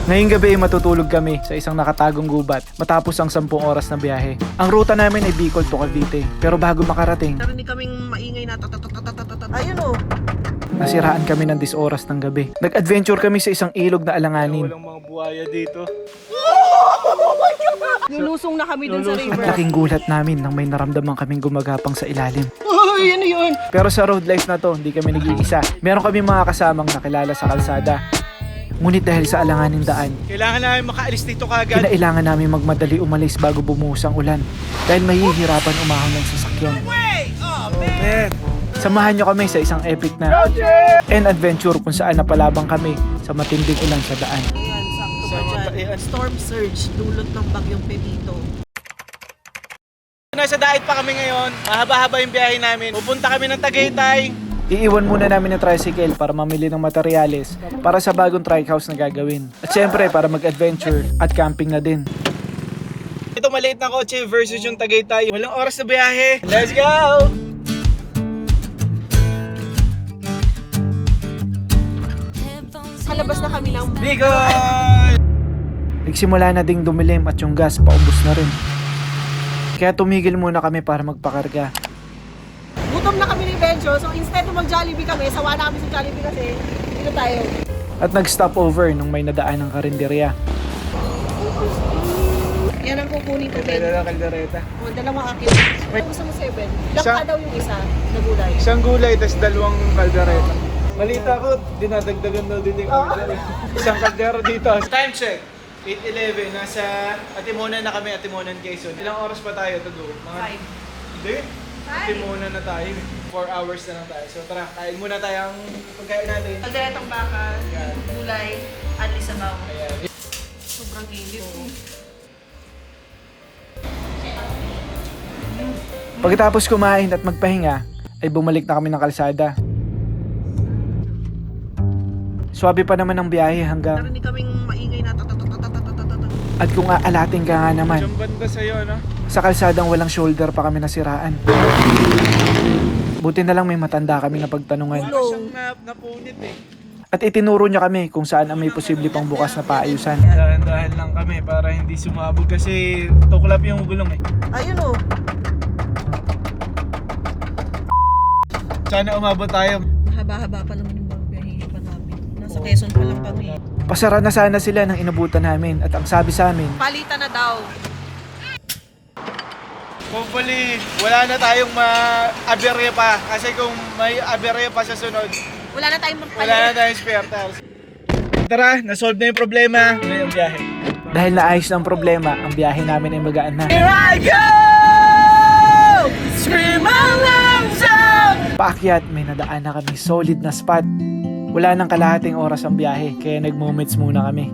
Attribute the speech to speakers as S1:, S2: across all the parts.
S1: Ngayong gabi ay matutulog kami sa isang nakatagong gubat matapos ang 10 oras na biyahe. Ang ruta namin ay Bicol to Cavite. Pero bago makarating,
S2: narinig kaming maingay na ayun o.
S1: nasiraan kami ng 10 oras ng gabi. Nag-adventure kami sa isang ilog na alanganin.
S3: Walang mga buhaya dito.
S2: Lulusong na kami dun sa
S1: At
S2: river.
S1: laking gulat namin nang may naramdaman kaming gumagapang sa ilalim.
S2: Uy, ano yun?
S1: Pero sa road life na to, hindi kami nag-iisa. Meron kami mga kasamang nakilala sa kalsada. Ngunit dahil sa alanganing daan,
S3: Kailangan namin makaalis dito kagad.
S1: kinailangan namin magmadali umalis bago bumuhos ang ulan dahil mahihirapan umahon ng sasakyan. Samahan nyo kami sa isang epic na and adventure kung saan napalabang kami sa matinding ulan sa daan.
S2: Ayan, sakto ba dyan? Storm surge, dulot ng bagyong Pepito.
S3: Nasa daet pa kami ngayon. Mahaba-haba yung biyahe namin. Pupunta kami ng Tagaytay.
S1: Iiwan muna namin ang tricycle para mamili ng materyales para sa bagong trike house na gagawin. At syempre para mag-adventure at camping na din.
S3: Ito maliit na kotse versus yung Tagaytay. Walang oras na biyahe. Let's go!
S2: Kalabas na kami ng
S3: Bicol!
S1: Nagsimula na ding dumilim at yung gas paubos na rin. Kaya tumigil muna kami para magpakarga.
S2: gutom na kami ni Benjo. So instead na mag-Jollibee kami, sawa na kami sa Jollibee kasi dito tayo.
S1: At nag-stop over nung may nadaan ng karinderya.
S2: Yan ang kukunin ko, Ben.
S3: Kailan ang kaldereta?
S2: O, dalawang akin. Gusto mo 7. Lakka daw yung isa na gulay.
S3: Isang gulay, tas dalawang kaldereta. Malita ko, dinadagdagan daw din yung kaldereta. Isang kaldero dito. Time check. 8:11. Nasa Atimonan na kami, Atimonan, Quezon. Ilang oras pa tayo to go?
S2: 5.
S3: Hindi. Atimonan na tayo. 4 hours na lang tayo. So tara, kain muna tayo ang pagkain natin.
S2: Kalderetang baka,
S3: Yan.
S2: gulay, at lisabaw.
S3: Ayan.
S2: Sobrang init.
S1: Pagkatapos kumain at magpahinga, ay bumalik na kami ng kalsada. Swabe pa naman ang biyahe hanggang
S2: Narinig kaming maingay na
S1: at kung aalating ka nga naman,
S3: Diyan banda sa'yo, no?
S1: sa kalsadang walang shoulder pa kami nasiraan. Buti na lang may matanda kami na pagtanungan.
S3: Wala siyang napunit eh.
S1: At itinuro niya kami kung saan ang may posible pang bukas na paayusan.
S3: Dahan-dahan lang kami para hindi sumabog kasi tuklap yung gulong eh.
S2: Ayun o.
S3: Sana umabot tayo.
S2: Mahaba-haba pa naman yung biyahe pa namin. Nasa Quezon pa lang kami.
S1: Pasara na sana sila ng inabutan namin at ang sabi sa amin,
S2: Palitan na daw.
S3: Hopefully, wala na tayong ma-aberya pa. Kasi kung may aberya pa sa sunod,
S2: Wala na tayong magpalit.
S3: wala na tayong spare tires. Tara, nasolve na yung problema. Ngayon yung biyahe.
S1: dahil naayos na ang problema, ang biyahe namin ay magaan na.
S3: Here I go! Scream my lungs out!
S1: Paakyat, may nadaan na kami solid na spot. Wala nang kalahating oras ang biyahe, kaya nag-moments muna kami.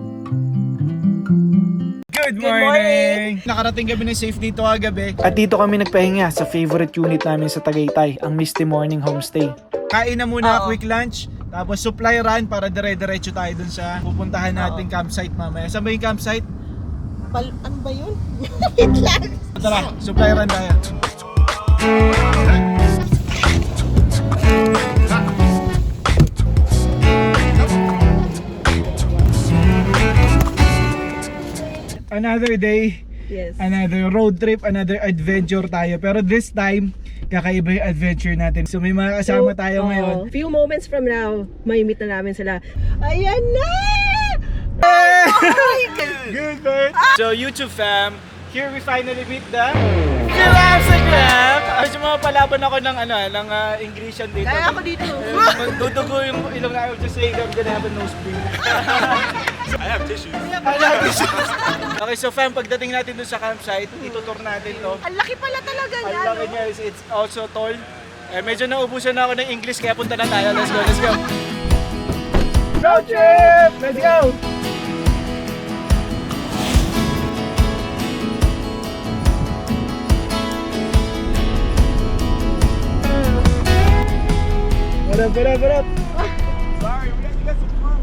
S3: Good morning! Nakarating kami ng safe dito kagabi.
S1: At dito kami nagpahinga sa favorite unit namin sa Tagaytay, ang Misty Morning Homestay.
S3: Kain na muna,
S2: Oo.
S3: quick lunch. Tapos supply run para dire-diretso tayo dun sa pupuntahan nating campsite mamaya. Saan ba yung campsite?
S2: Ano ba yun? Wait lang.
S3: Tara, supply run tayo. Another day,
S2: Yes.
S3: another road trip, another adventure tayo. Pero this time, kakaiba yung adventure natin. So may mga kasama tayo ngayon.
S2: Few moments from now, may meet na namin sila. Ayan na!
S3: Good man! So YouTube fam, here we finally meet the Instagram! Medyo mapalaban ako ng Englishan dito.
S2: Kaya ako dito.
S3: Dudugo yung ilong na I'm just saying I'm gonna have a nosebleed. I have tissues. Okay, so fam, pagdating natin dun sa campsite, itutour natin to.
S2: Ang laki pala talaga
S3: Ang
S2: niya.
S3: laki niya is it's also tall. Medyo naubusan na ako ng English kaya punta na tayo. Let's go, let's go! Road trip! Let's go! What up, what up, what up? Sorry, we have to get some food.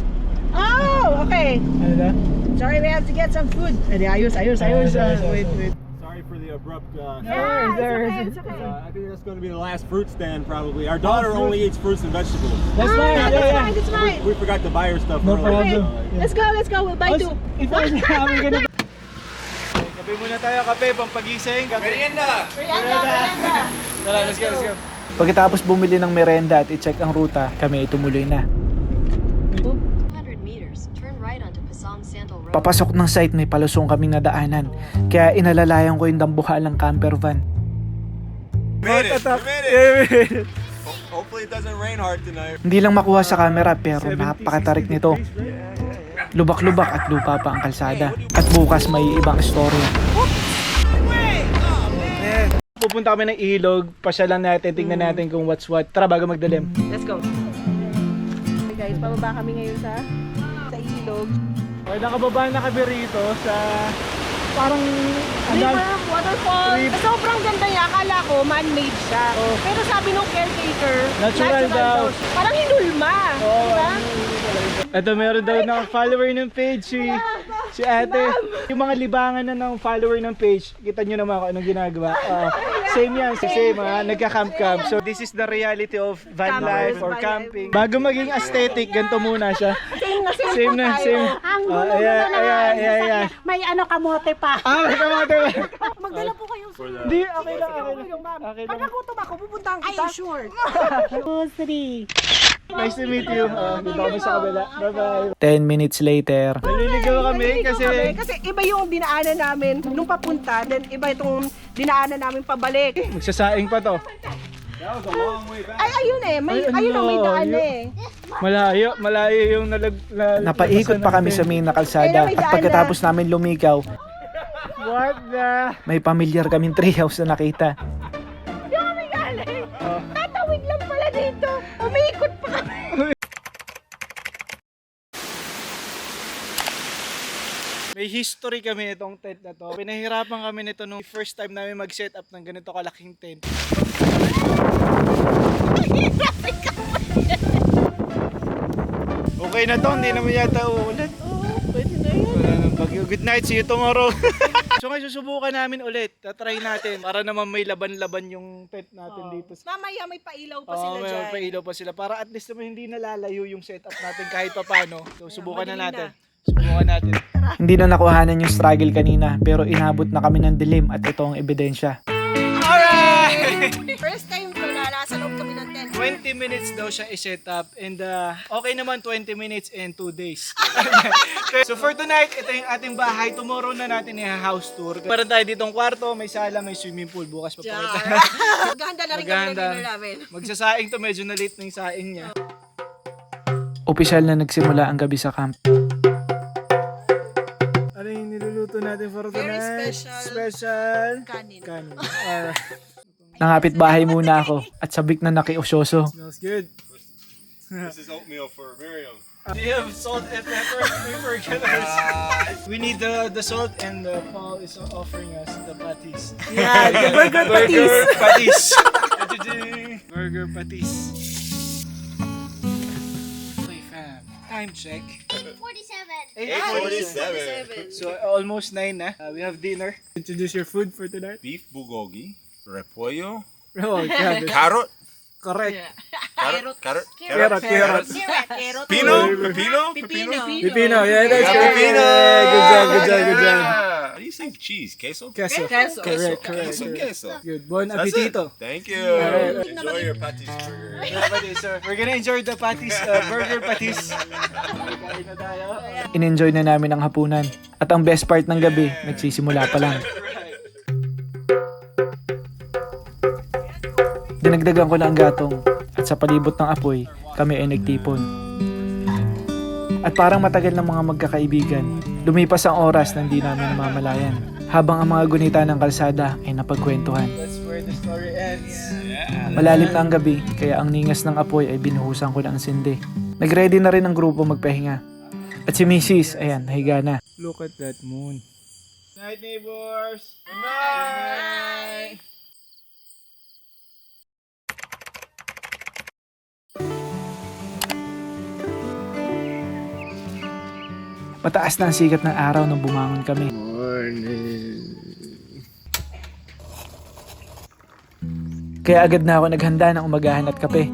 S2: Oh, okay.
S3: Ano na?
S2: Sorry, we have to get some food. Ayos.
S3: Ayos.
S2: Wait.
S3: Sorry
S4: for the abrupt.
S2: It's okay.
S4: I think that's going to be the last fruit stand probably. Our daughter only eats fruits and vegetables.
S1: That's fine.
S2: That's fine.
S4: We forgot to buy her stuff
S1: No
S4: earlier.
S1: problem.
S2: Let's go. We'll buy two.
S1: If I was having ganun.
S3: Kape muna tayo, kape, pampagising. Merienda! Tara, let's go.
S1: Pagkatapos bumili ng merenda at i-check ang ruta, kami ay tumuloy na.
S5: 200 meters, turn right onto Pasong Sandal Road.
S1: Papasok ng site may palusong kaming nadaanan, kaya inalalayan ko yung dambuhalang camper van.
S4: Made it. Hopefully it doesn't rain hard tonight.
S1: Hindi lang makuha sa camera pero napakatarik nito. Lubak-lubak at lupa pa ang kalsada. At bukas may ibang storya.
S3: Pupunta kami ng ilog, pasyalan natin, tingnan natin kung what's what. Tara, bago magdalim.
S2: Let's go. Okay guys, pababa kami ngayon sa ilog.
S3: Okay, nakababa na kami rito sa parang
S2: River, waterfall. Sobrang ganda niya. Akala ko man-made siya. Pero sabi nung caretaker,
S3: Natural daw.
S2: Parang hinulma. Diba?
S3: Ito, meron daw ng follower ng page si ate. Yung mga libangan na ng follower ng page, kita nyo naman kung anong ginagawa. Same yan, same ha, nagka-camp-camp. So this is the reality of van life or camping. Bago maging aesthetic, ganito muna siya. Same na.
S6: Ang gulo
S3: Ayan.
S6: May kamote pa.
S3: May kamote.
S2: Magdala po kayo.
S3: Hindi, okay lang. Okay
S2: Pag
S3: lang.
S2: nagutom ako, pupuntahan kita. Ay, sure.
S6: 2, 3.
S3: Nice to meet you. Dito kami sa kabila. Bye-bye.
S1: 10 minutes later,
S3: Naliligaw kami kasi
S2: Kasi iba yung dinaanan namin nung papunta, then iba itong dinaanan namin pabalik.
S3: magsasaing pa to.
S2: Ay, ayun eh. May daan eh.
S3: Malayo yung
S1: napaikot pa kami sa main na kalsada at pagkatapos namin lumigaw,
S3: What the?
S1: may pamilyar kaming treehouse na nakita.
S2: Kami galing. Tatawid lang pala dito. Umiikot pa kami.
S3: May history kami nitong tent na to. Pinahirapan kami nito nung first time namin mag-set up ng ganito kalaking tent. Okay na to, hindi naman yata uulit.
S2: Pwede na yun.
S3: Wala nang bagyo. Good night, see you tomorrow. So ngayon susubukan namin ulit. Tatry natin para naman may laban-laban yung tent natin dito.
S2: Mamaya may pailaw pa
S3: Oo,
S2: sila
S3: may
S2: dyan.
S3: pailaw pa sila. Para at least naman hindi nalalayo yung setup natin kahit pa paano. So subukan na
S2: madilim
S3: natin.
S2: na.
S3: Subukan natin.
S1: Hindi na nakuhanan yung struggle kanina pero inabot na kami ng dilim at ito ang ebidensya.
S3: Alright!
S2: First time ko na nasa loob kami ng tent.
S3: 20 minutes daw siya i-set up and okay naman 20 minutes and 2 days. So for tonight, ito yung ating bahay. Tomorrow na natin i-house tour. Meron tayo ditong kwarto, may sala, may swimming pool. Bukas pa pakita.
S2: Maghahanda na rin kami ng
S3: Maghahanda.
S2: dinner namin.
S3: Magsasaing to, medyo na late na yung saing niya.
S1: Opisyal na nagsimula ang gabi sa camp.
S3: Ano yung niluluto natin for
S2: Very
S3: tonight?
S2: special. Kanin.
S3: Kanin. Alright.
S1: Nangapit bahay muna ako at sabik na nakiusyoso.
S3: Smells good.
S4: This is oatmeal for Miriam.
S3: Do you have salt and pepper? We forgot. We need the salt and Paul is offering us the patties.
S2: Yeah, the burger patties.
S3: Burger patties. Burger patties. Okay, fam. Time check.
S4: 8:47.
S3: So almost 9 na. We have dinner. Introduce your food for tonight.
S4: Beef bulgogi, repollo,
S3: Oh, God.
S4: carrot,
S3: Correct.
S4: carrot,
S3: Carrot.
S4: pepino.
S3: Pipino. Yeah, that's
S4: Yeah,
S3: correct.
S4: pipino.
S3: Yeah, good job.
S4: How do you say cheese? Queso?
S3: Queso.
S2: Queso.
S3: Correct.
S4: Queso.
S3: Good. Bon
S4: That's it.
S3: appetito.
S4: Thank you.
S3: Alright.
S4: Enjoy your patties burger.
S3: Yeah, patties, sir. We're gonna enjoy the patties, burger patties. Kain na tayo.
S1: In-enjoy na namin ang hapunan. At ang best part ng gabi, nagsisimula pa lang. Dinagdagan ko na ang gatong at sa palibot ng apoy, kami ay nagtipon. At parang matagal ng mga magkakaibigan, lumipas ang oras na hindi namin namamalayan. Habang ang mga gunita ng kalsada ay napagkwentuhan.
S3: That's where the story ends.
S1: Malalim na ang gabi, kaya ang ningas ng apoy ay binuhusan ko na ang sindi. Nagready na rin ang grupo magpahinga. At si Mrs. ayan, nahiga na.
S3: Look at that moon. Night, neighbors. Good night.
S1: Mataas na ang sikat ng araw nung bumangon kami. Kaya agad na ako naghanda ng umagahan at kape.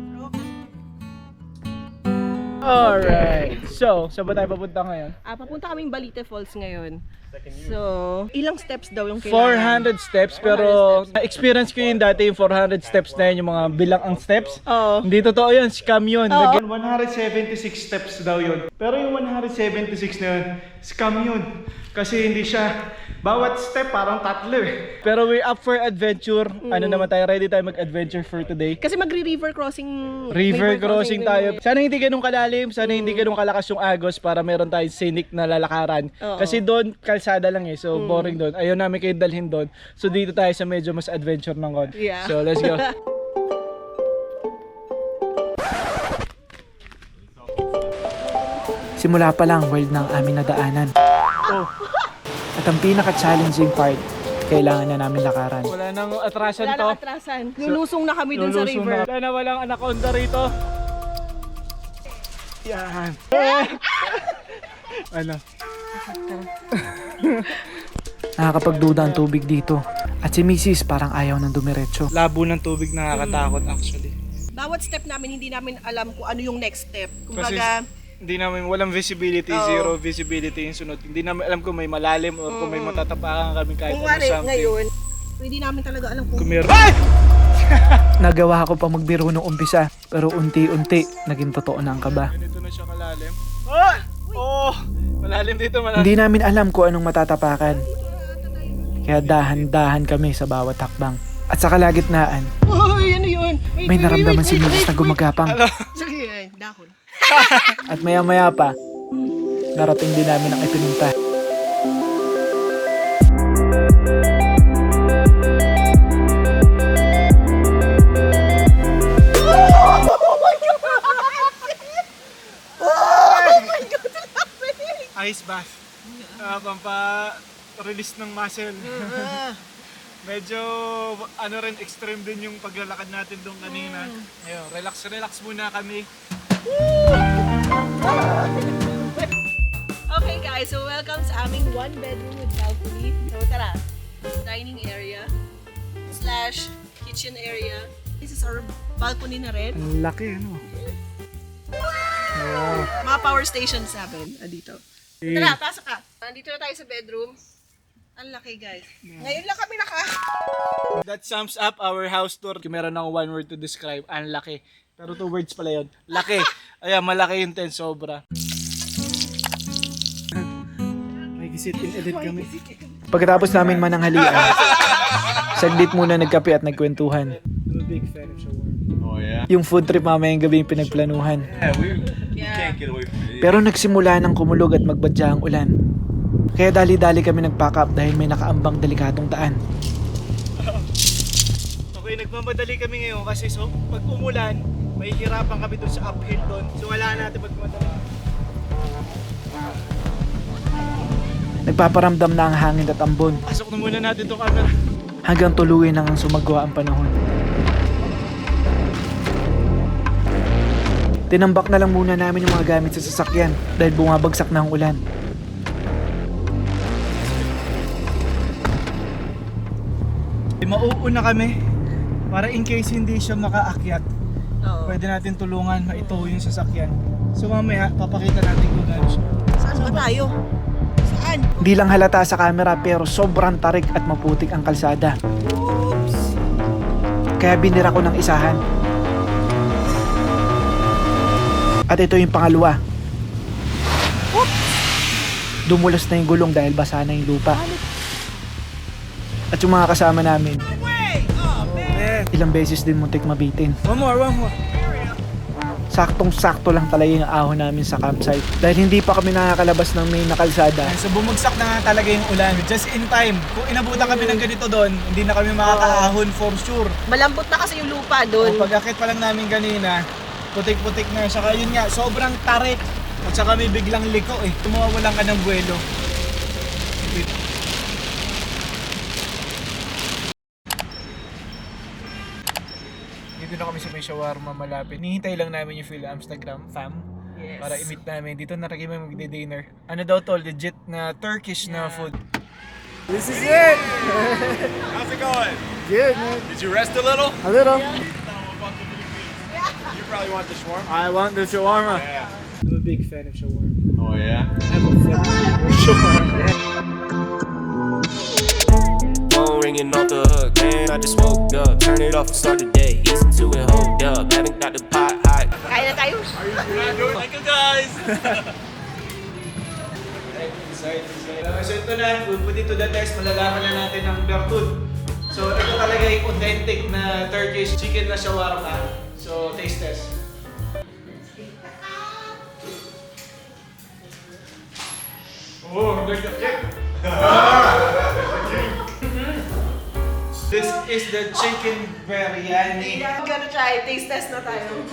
S3: Alright. So, saan ba tayo papunta ngayon?
S2: Papunta kaming Balite Falls ngayon. So, ilang steps daw yung kailangan?
S3: 400 steps, pero na-experience ko yun dati yung 400 steps na yun, yung mga bilang ang steps.
S2: Oo.
S3: Hindi totoo yun, scam yun. 176 steps daw yun. Pero yung 176 na yun, scam yun. Kasi hindi siya, bawat step parang tatlo eh. Pero we're up for adventure. Ano naman tayo, ready tayo mag-adventure for today.
S2: Kasi magre-river crossing.
S3: River crossing tayo. Sana hindi ganun kalalim, sana hindi ganun kalakas yung agos para meron tayong scenic na lalakaran.
S2: Oo.
S3: Kasi doon, kalsada lang eh, so boring doon. Ayaw namin kayo dalhin doon. So dito tayo sa medyo mas adventure ng konti.
S2: Yeah.
S3: So let's go.
S1: Simula pa lang, wild na ang aming nadaanan. At ang pinaka-challenging part, kailangan na namin lakaran.
S3: Wala nang atrasan
S2: Wala
S3: to.
S2: nang atrasan. Lulusong na kami dun sa
S3: Lulusong
S2: river.
S3: na. Wala na, walang anaconda rito. Yan. Ano?
S1: Nakakapagduda ang tubig dito. At si Mrs. parang ayaw ng dumiretso.
S3: Labo ng tubig nakakatakot actually.
S2: Bawat step namin, hindi namin alam kung ano yung next step.
S3: Kasi
S2: Kumbaga,
S3: hindi namin, walang visibility,
S2: Oo.
S3: zero visibility yung sunod. Hindi namin alam kung may malalim or kung may matatapakan kami kahit
S2: kung
S3: ano
S2: wari
S3: something.
S2: ngayon, hindi namin talaga alam kung
S3: Kung meron. Ay!
S1: Nagawa ko pa magbiro nung umpisa, pero unti-unti naging totoo na ang kaba.
S3: Ganito na siya kalalim. Ah! Oh! Malalim dito, malalim.
S1: Hindi namin alam kung anong matatapakan. Kaya dahan-dahan kami sa bawat hakbang. At sa kalagitnaan,
S2: Uy, ano yun? Wait,
S1: may naramdaman si Mrs. na gumagapang.
S2: Sige, ay, dahon.
S1: At maya-maya pa, narating din namin ang ipinunta.
S3: Ice bath. Pampa-release ng muscle. Medyo ano rin, extreme din yung paglalakad natin doon kanina. Ayun, relax muna kami.
S2: Okay guys, so welcome sa aming one bedroom with balcony. So tara, dining area / kitchen area. This is our balcony na rin.
S3: Ang laki, ano?
S2: Mga power station 7 dito. Tara, pasok ka. Nandito na tayo sa bedroom. Ang laki guys. Ngayon lang kami
S3: That sums up our house tour. Kung meron ng one word to describe, ang laki. Pero 2 words pala yun. Laki. Ayan, malaki yung tent, sobra. May gisit in edit kami.
S1: Pagkatapos namin mananghalian, saglit muna nagkape at nagkwentuhan.
S3: I'm a big fan of shawarma.
S4: Oh yeah.
S1: Yung food trip mamayang gabi yung pinagplanuhan.
S4: Yeah, we can't get away from it.
S1: Pero nagsimula ng kumulog at magbadya ang ulan. Kaya dali-dali kami nag-pack up dahil may nakaambang delikadong daan.
S3: Okay, nagmamadali kami ngayon kasi so pag umulan, mahihirapan kami doon sa uphill doon. So wala natin magmadali.
S1: Nagpaparamdam na ang hangin at ambon
S3: Pasok na muna natin itong camera.
S1: hanggang tuluyan nang sumagwa ang panahon. Tinambak na lang muna namin yung mga gamit sa sasakyan dahil bumabagsak na ang ulan.
S3: Mauuna kami para in case hindi siya makaakyat.
S2: Oo.
S3: Pwede natin tulungan maitow yung sasakyan. So mamaya, papakita natin kung gaano siya.
S2: Saan ba tayo? Saan?
S1: Di lang halata sa camera pero sobrang tarik at maputik ang kalsada.
S2: Oops!
S1: Kaya binira ko ng isahan. At ito yung pangalawa. Dumulas na yung gulong dahil basa na yung lupa. At yung mga kasama namin, ilang beses din muntik mabitin.
S3: One more.
S1: Saktong-sakto lang talaga yung ahon namin sa campsite. Dahil hindi pa kami nakakalabas ng main na kalsada.
S3: So bumagsak na nga talaga yung ulan. Just in time. Kung inabutan kami ng ganito doon, hindi na kami makakaahon for sure.
S2: Malambot na kasi yung lupa
S3: Kung
S2: doon.
S3: pag-akit pa lang namin kanina, putik-putik na. Saka yun nga, sobrang tarik. At saka may biglang liko eh. Tumawalan ka ng buwelo. Dito na kami sa may shawarma malapit. Nihintay lang namin yung Phil Amsterdam fam.
S2: Yes.
S3: Para i-meet namin. Dito na rin kami magdi-dinner. Ano daw to? Legit na Turkish na food. This is it!
S4: How's it going?
S3: Good, man.
S4: Did you rest a little?
S3: A little.
S4: You probably want the shawarma.
S3: I want the shawarma.
S4: Yeah.
S3: I'm a big fan of shawarma.
S4: Oh yeah.
S3: I'm obsessed with shawarma.
S7: Phone ringing off the hook, man. I just woke up. Turn it off and start the day. Listen to it, hold up. Haven't got the pot hot.
S2: Kaya na tayo.
S4: Thank you guys.
S3: So ito na, we'll put it to the test. Malalaman na natin ang bertud. So ito talaga yung authentic na Turkish chicken na shawarma. So taste test. Oh, there's the kick. This is the chicken biryani.
S2: I'm gonna try. Taste test na tayo.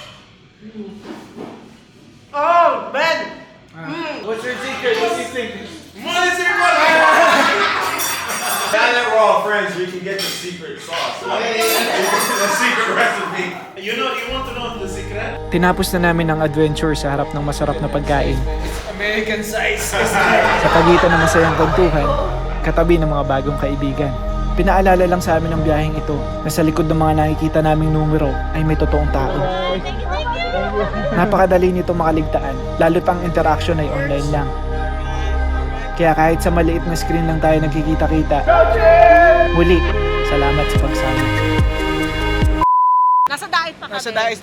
S2: Oh, man!
S3: What's your secret? What do you think?
S4: Now that we're all friends, we can get the secret sauce. The secret recipe.
S3: You want to know the secret?
S1: Tinapos na namin ang adventure sa harap ng masarap na pagkain.
S3: It's American size.
S1: Sa pagitan ng masayang kwentuhan, katabi ng mga bagong kaibigan. Pinaalala lang sa amin ng biyaheng ito na sa likod ng mga nakikita naming numero ay may totoong tao. Napakadali nito makaligtaan, lalo't ang interaction ay online lang. Kaya kahit sa maliit na screen lang tayo nagkikita-kita, muli, salamat sa pagsama.
S2: Nasa diet pa kami.
S3: Nasa dais.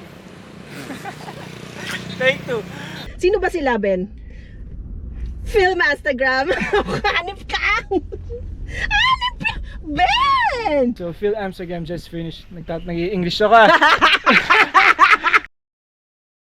S3: Take two.
S2: Sino ba sila, Ben? Film Instagram. Hanip ka! Hanip ka! Ben!
S3: So Phil Amsterdam just finished. Nag-English ako.